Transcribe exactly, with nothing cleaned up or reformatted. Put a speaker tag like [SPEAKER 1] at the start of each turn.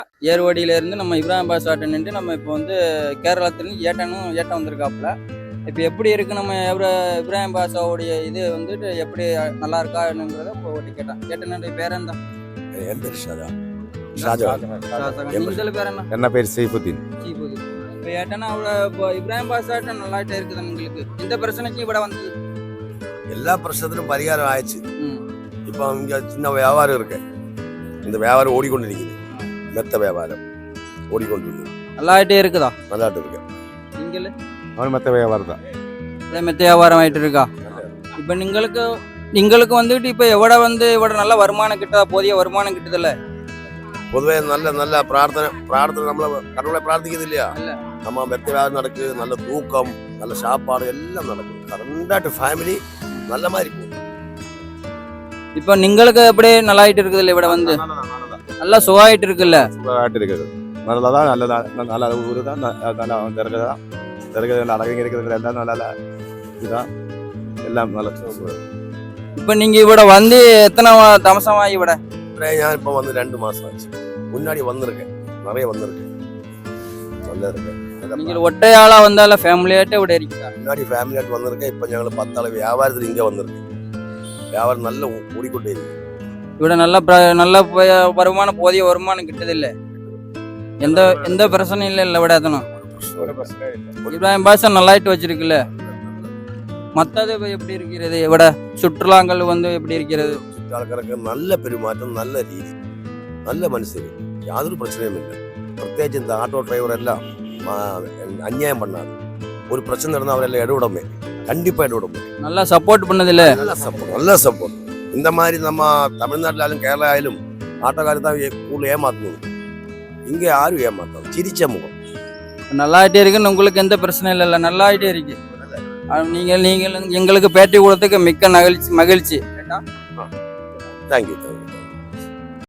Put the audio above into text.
[SPEAKER 1] ஏர்வாடியிலேருந்து நம்ம இப்ராஹிம் பாஸ் ஆட்டன்ட்டு நம்ம இப்போ வந்து கேரளத்துலேருந்து ஏட்டனும் ஏட்டம் வந்திருக்காப்புல. இப்போ எப்படி இருக்குது நம்ம எவ்வளோ இப்ராஹிம் பாஷாவுடைய இது வந்துட்டு எப்படி நல்லா இருக்கா என்னங்கிறத இப்போ ஓட்டி கேட்டான். ஏட்டனுடைய பேர் என்ன?
[SPEAKER 2] என் பேர் ஷாஜா.
[SPEAKER 1] நீங்கள் பேர் என்ன?
[SPEAKER 3] என்ன பேர் சீஃபுத்தீன்.
[SPEAKER 1] சீஃபுத்தீன். இப்போ ஏட்டனா அவ்வளோ இப்போ இப்ராஹிம் பாஸ் ஆட்டம் நல்லாட்டே இருக்குது உங்களுக்கு. இந்த பிரச்சனைக்கு ഇവിടെ வந்து
[SPEAKER 2] எல்லா பிரச்சனையும் பரிகாரம் ஆயிடுச்சு. இப்போ இங்கே சின்ன வியாபாரம் இருக்கு, இந்த வியாபாரம் ஓடிக்கொண்டிருக்குது. மெத்த வியாபாரம் ஓடிக்கொண்டிருக்குது.
[SPEAKER 1] நல்லாட்டே இருக்குதா?
[SPEAKER 2] நல்லாட்டு இருக்கு.
[SPEAKER 1] நீங்கள்
[SPEAKER 3] அவன் மெத்த வியாபாரம் தான்.
[SPEAKER 1] மெத்த வியாபாரம் ஆகிட்டு இருக்கா? இப்போ நீங்களுக்கு நீங்களுக்கு வந்துட்டு இப்போ எவ்வளோ வந்து இவ்வளோ நல்ல வருமானம் கிட்டதா? போதிய வருமானம் கிட்டதில்ல?
[SPEAKER 2] பொதுவே நல்ல நல்ல பிரார்த்தனை பிரார்த்தனை நம்மள கடவுளை பிரார்த்திக்கிறது இல்லையா? நம்ம மெத்த வியாபாரம் நடக்குது, நல்ல தூக்கம், நல்ல சாப்பாடு எல்லாம் நடக்குது. கரண்டாட்டு ஃபேமிலி நல்ல மாதிரி போகுது.
[SPEAKER 1] இப்போ നിങ്ങൾക്ക് எப்படி நல்லாயிட்டு இருக்குதுல்ல? ഇവിടെ வந்து நல்லா சுகாயிட்டு இருக்குல்ல?
[SPEAKER 3] சுகாயிட்டு இருக்குது. நல்லதான் நல்லதா நல்ல ஊரு தான். நல்லா திறகுதான் திறகுதான் அழகங்க இருக்கிறது எல்லாம் நல்ல இதுதான், எல்லாம் நல்ல.
[SPEAKER 1] இப்போ நீங்க இவட வந்து எத்தனை தமசமா? இவட
[SPEAKER 2] நான் இப்போ வந்து ரெண்டு மாசம் ஆச்சு. முன்னாடி வந்திருக்கேன், நிறைய வந்திருக்கேன், நல்லா இருக்கேன்.
[SPEAKER 1] நீங்க ஒட்டையாளா வந்தால ஃபேமிலியாட்டே ഇവിടെ இருக்கா?
[SPEAKER 2] முன்னாடி ஃபேமிலியாட்டு வந்திருக்கேன். இப்போ ഞങ്ങൾ பத்தாள் வியாபாரத்தில் இங்கே வந்திருக்கேன். வியாபாரம் நல்ல ஓடிக்கொண்டே இருக்கு.
[SPEAKER 1] ഇവിടെ நல்ல நல்ல வருமானம், போதிய வருமானம் கிட்டதில்ல? எந்த எந்த பிரச்சனையும் இல்லை இல்லை ഇവിടെ எத்தனும்? இப்ராஹிம் பாஷா நல்லாயிட்டு வச்சிருக்குல்ல? மற்றது எப்படி இருக்கிறது? ഇവിടെ சுற்றுலாங்கள் வந்து எப்படி இருக்கிறது?
[SPEAKER 2] சுற்றாளருக்கு நல்ல பெருமாற்றம், நல்ல രീതി, நல்ல மனுஷர், யாதொரு பிரச்சனையும் இல்லை. பிரத்யேகிச்சு இந்த ஆட்டோ டிரைவர் எல்லாம் அநியாயம் பண்ணாது. ஒரு பிரச்சனை இருந்தால் அவரெல்லாம் இடவிடமே, கண்டிப்பாக இடவிடமே.
[SPEAKER 1] நல்லா சப்போர்ட் பண்ணதில்ல?
[SPEAKER 2] நல்ல சப்போர்ட், நல்ல சப்போர்ட். இந்த மாதிரி நம்ம தமிழ்நாட்டிலும் கேரளாவிலும் ஆட்டோக்காரி தான் ஊரில் ஏமாத்தணும். இங்கே யாரும் ஏமாத்தோம், சிரிச்ச முகம்.
[SPEAKER 1] நல்லாயிட்டே இருக்குன்னு உங்களுக்கு எந்த பிரச்சனையும் இல்லைல்ல? நல்லாயிட்டே இருக்கு. நீங்கள் நீங்கள் எங்களுக்கு பேட்டி கொடுத்ததுக்கு மிக்க மகிழ்ச்சி மகிழ்ச்சி.
[SPEAKER 2] Thank you thank you.